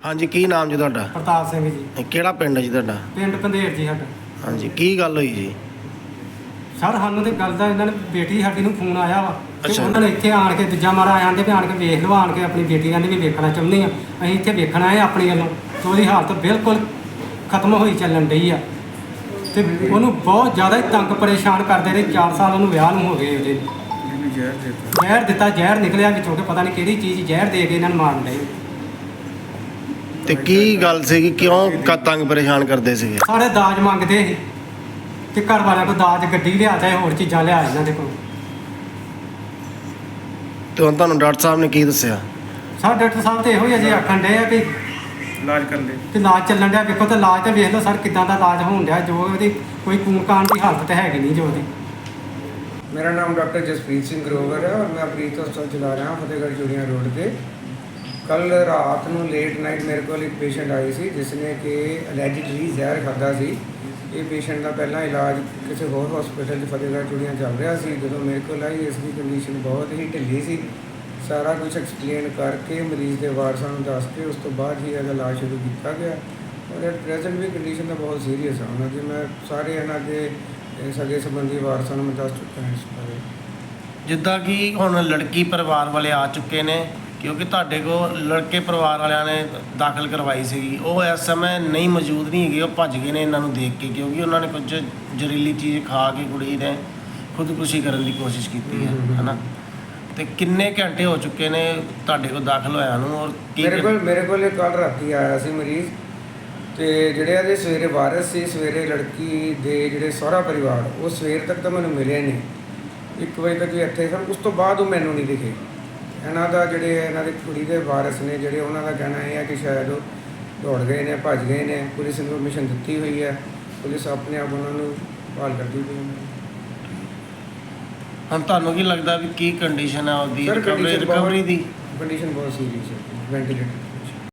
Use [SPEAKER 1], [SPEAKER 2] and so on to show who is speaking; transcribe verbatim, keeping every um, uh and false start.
[SPEAKER 1] ਹਾਂਜੀ, ਕੀ ਨਾਮ ਜੀ ਤੁਹਾਡਾ?
[SPEAKER 2] ਪ੍ਰਤਾਪ ਸਿੰਘ ਜੀ।
[SPEAKER 1] ਇਹ ਕਿਹੜਾ ਪਿੰਡ ਹੈ ਜੀ ਤੁਹਾਡਾ?
[SPEAKER 2] ਪਿੰਡ ਪੰਧੇਰ ਜੀ ਸਾਡਾ।
[SPEAKER 1] ਹਾਂਜੀ, ਕੀ ਗੱਲ ਹੋਈ ਜੀ?
[SPEAKER 2] ਸਰ ਸਾਨੂੰ ਤੇ ਗੱਲ ਦਾ ਇਹਨਾਂ ਨੇ ਬੇਟੀ ਸਾਡੀ ਨੂੰ ਫੋਨ ਆਇਆ ਵਾ ਤੇ
[SPEAKER 1] ਅੱਛਾ।
[SPEAKER 2] ਉਹਨਾਂ ਨੇ ਇੱਥੇ ਆਣ ਕੇ ਦੂਜਾ ਮਾਰਾ ਆਂਦੇ ਵੀ ਆਣ ਕੇ ਵੇਖ ਲਓ, ਆਣ ਕੇ ਆਪਣੀ ਬੇਟੀ ਕਹਿੰਦੇ ਵੀ ਵੇਖਣਾ ਚਾਹੁੰਦੇ ਆ। ਅਸੀਂ ਇੱਥੇ ਵੇਖਣਾ ਹੈ ਆਪਣੀ ਵੱਲੋਂ ਤੇ ਉਹਦੀ ਹਾਲਤ ਬਿਲਕੁਲ ਖਤਮ ਹੋਈ ਚੱਲਣ ਡਈ ਆ ਤੇ ਉਹਨੂੰ ਬਹੁਤ ਜ਼ਿਆਦਾ ਹੀ ਤੰਗ ਪਰੇਸ਼ਾਨ ਕਰਦੇ ਰਹੇ। ਚਾਰ ਸਾਲ ਉਹਨੂੰ ਵਿਆਹ ਨੂੰ ਹੋ ਗਏ। ਉਹਦੇ ਜ਼ਹਿਰ ਦਿੱਤਾ, ਜ਼ਹਿਰ ਨਿਕਲਿਆ ਵਿੱਚੋਂ ਕਿ ਪਤਾ ਨਹੀਂ ਕਿਹੜੀ ਚੀਜ਼ ਜ਼ਹਿਰ ਦੇ ਕੇ ਇਹਨਾਂ ਨੂੰ ਮਾਰਨ ਡਏ।
[SPEAKER 1] ਤੇ ਕੀ ਗੱਲ ਸੀਗੀ, ਕਿਉਂ ਕ- ਤੰਗ ਪਰੇਸ਼ਾਨ ਕਰਦੇ ਸੀਗੇ?
[SPEAKER 2] ਸਾਰੇ ਦਾਜ ਮੰਗਦੇ ਸੀ ਤੇ ਘਰ ਵਾਲਿਆਂ ਕੋਲ ਦਾਜ ਗੱਡੀ ਲਿਆ ਚਾਹੇ ਹੋਰ ਚੀਜ਼ਾਂ ਲਿਆ ਇਹਨਾਂ ਦੇ ਕੋਲ।
[SPEAKER 1] ਤੇ ਹੁਣ ਤੁਹਾਨੂੰ ਡਾਕਟਰ ਸਾਹਿਬ ਨੇ ਕੀ ਦੱਸਿਆ?
[SPEAKER 2] ਸਰ ਡਾਕਟਰ ਸਾਹਿਬ ਤੇ ਇਹੋ ਹੀ ਅਜੇ ਆਖਣ ਡਏ ਆ ਵੀ
[SPEAKER 3] ਇਲਾਜ ਕਰ ਲੈ
[SPEAKER 2] ਤੇ ਇਲਾਜ ਚੱਲਣ ਡਿਆ। ਵੇਖੋ ਤੇ ਇਲਾਜ ਤੇ ਵੇਖ ਲਓ ਸਰ ਕਿੱਦਾਂ ਦਾ ਇਲਾਜ ਹੋਣ ਡਿਆ। ਜੋ ਉਹਦੀ ਕੋਈ ਖੂਨ ਖਾਨ ਦੀ ਹਾਲਤ ਤਾਂ ਹੈਗੀ ਨਹੀਂ ਜੋ ਉਹਦੀ।
[SPEAKER 3] मेरा नाम डॉक्टर जसप्रीत सिंह ग्रोवर है और मैं प्रीत हॉस्पिटल चला रहा हूँ फतेहगढ़ चूड़ियाँ रोड पे। कल रात ਨੂੰ ਲੇਟ ਨਾਈਟ ਮੇਰੇ ਕੋਲ ਇੱਕ ਪੇਸ਼ੈਂਟ ਆਈ ਸੀ ਜਿਸ ਨੇ ਕਿ ਅਲੈਜਿਡਲੀ ਜ਼ਹਿਰ ਖਾਧਾ ਸੀ। ਇਹ ਪੇਸ਼ੈਂਟ ਦਾ ਪਹਿਲਾਂ ਇਲਾਜ ਕਿਸੇ ਹੋਰ ਹਸਪੀਟਲ 'ਚ ਫਤਿਹਗੜ੍ਹ ਚੂੜੀਆਂ ਚੱਲ ਰਿਹਾ ਸੀ। ਜਦੋਂ ਮੇਰੇ ਕੋਲ ਆਈ ਇਸ ਦੀ ਕੰਡੀਸ਼ਨ ਬਹੁਤ ਹੀ ਢਿੱਲੀ ਸੀ। ਸਾਰਾ ਕੁਝ ਐਕਸਪਲੇਨ ਕਰਕੇ ਮਰੀਜ਼ ਦੇ ਵਾਰਸਾਂ ਨੂੰ ਦੱਸ ਕੇ ਉਸ ਤੋਂ ਬਾਅਦ ਹੀ ਇਹਦਾ ਇਲਾਜ ਸ਼ੁਰੂ ਕੀਤਾ ਗਿਆ ਔਰ ਐਟ ਪ੍ਰੈਜ਼ੈਂਟ ਵੀ ਕੰਡੀਸ਼ਨ ਤਾਂ ਬਹੁਤ ਸੀਰੀਅਸ ਆ ਉਹਨਾਂ ਦੀ। ਮੈਂ ਸਾਰੇ ਇਹਨਾਂ ਦੇ ਸਗੇ ਸੰਬੰਧੀ ਵਾਰਸਾਂ ਨੂੰ ਮੈਂ ਦੱਸ ਚੁੱਕਾ ਹਾਂ ਇਸ ਬਾਰੇ।
[SPEAKER 1] ਜਿੱਦਾਂ ਕਿ ਹੁਣ ਲੜਕੀ ਪਰਿਵਾਰ ਵਾਲੇ ਆ ਚੁੱਕੇ ਨੇ, ਕਿਉਂਕਿ ਤੁਹਾਡੇ ਕੋਲ ਲੜਕੇ ਪਰਿਵਾਰ ਵਾਲਿਆਂ ਨੇ ਦਾਖਲ ਕਰਵਾਈ ਸੀਗੀ, ਉਹ ਇਸ ਸਮੇਂ ਨਹੀਂ ਮੌਜੂਦ ਨਹੀਂ ਹੈਗੇ। ਉਹ ਭੱਜ ਗਏ ਨੇ ਇਹਨਾਂ ਨੂੰ ਦੇਖ ਕੇ, ਕਿਉਂਕਿ ਉਹਨਾਂ ਨੇ ਕੁਝ ਜ਼ਹਿਰੀਲੀ ਚੀਜ਼ ਖਾ ਕੇ ਕੁੜੀ ਨੇ ਖੁਦਕੁਸ਼ੀ ਕਰਨ ਦੀ ਕੋਸ਼ਿਸ਼ ਕੀਤੀ ਹੈ, ਹੈ ਨਾ। ਤੇ ਕਿੰਨੇ ਘੰਟੇ ਹੋ ਚੁੱਕੇ ਨੇ ਤੁਹਾਡੇ ਕੋਲ ਦਾਖਲ ਹੋਇਆ ਨੂੰ? ਔਰ ਕੀ
[SPEAKER 3] ਮੇਰੇ ਕੋਲ ਮੇਰੇ ਕੋਲ ਕੱਲ੍ਹ ਰਾਤੀ ਆਇਆ ਸੀ ਮਰੀਜ਼ ਤੇ ਜਿਹੜੇ ਇਹਦੇ ਸਵੇਰੇ ਵਾਰਸ ਸੀ, ਸਵੇਰੇ ਲੜਕੀ ਦੇ ਜਿਹੜੇ ਸਹੁਰਾ ਪਰਿਵਾਰ ਉਹ ਸਵੇਰ ਤੱਕ ਤਾਂ ਮੈਨੂੰ ਮਿਲੇ ਨਹੀਂ। ਇੱਕ ਵਜੇ ਤੱਕ ਵੀ ਇੱਥੇ ਸਨ, ਉਸ ਤੋਂ ਬਾਅਦ ਉਹ ਮੈਨੂੰ ਨਹੀਂ ਦਿਖੇ। ਇਹਨਾਂ ਦਾ ਜਿਹੜੇ ਇਹਨਾਂ ਦੀ ਕੁੜੀ ਦੇ ਵਾਰਸ ਨੇ ਜਿਹੜੇ ਉਹਨਾਂ ਦਾ ਕਹਿਣਾ ਇਹ ਹੈ ਕਿ ਸ਼ਾਇਦ ਉਹ ਦੌੜ ਗਏ ਨੇ, ਭੱਜ ਗਏ ਨੇ। ਪੁਲਿਸ ਇਨਫੋਰਮੇਸ਼ਨ ਦਿੱਤੀ ਹੋਈ ਹੈ, ਪੁਲਿਸ ਆਪਣੇ ਆਪ ਉਹਨਾਂ ਨੂੰ ਭਾਲ ਕਰਦੀ ਪਈ ਹੈ।
[SPEAKER 1] ਹੁਣ ਤੁਹਾਨੂੰ ਕੀ ਲੱਗਦਾ ਵੀ ਕੀ ਕੰਡੀਸ਼ਨ ਹੈ ਉਹਦੀ
[SPEAKER 3] ਸਰ
[SPEAKER 1] ਰਿਕਵਰੀ
[SPEAKER 3] ਕੰਡੀਸ਼ਨ
[SPEAKER 1] ਰਿਕਵਰੀ ਦੀ?
[SPEAKER 3] ਕੰਡੀਸ਼ਨ ਬਹੁਤ ਸੀਰੀਅਸ ਹੈ, ਵੈਂਟੀਲੇਟਰ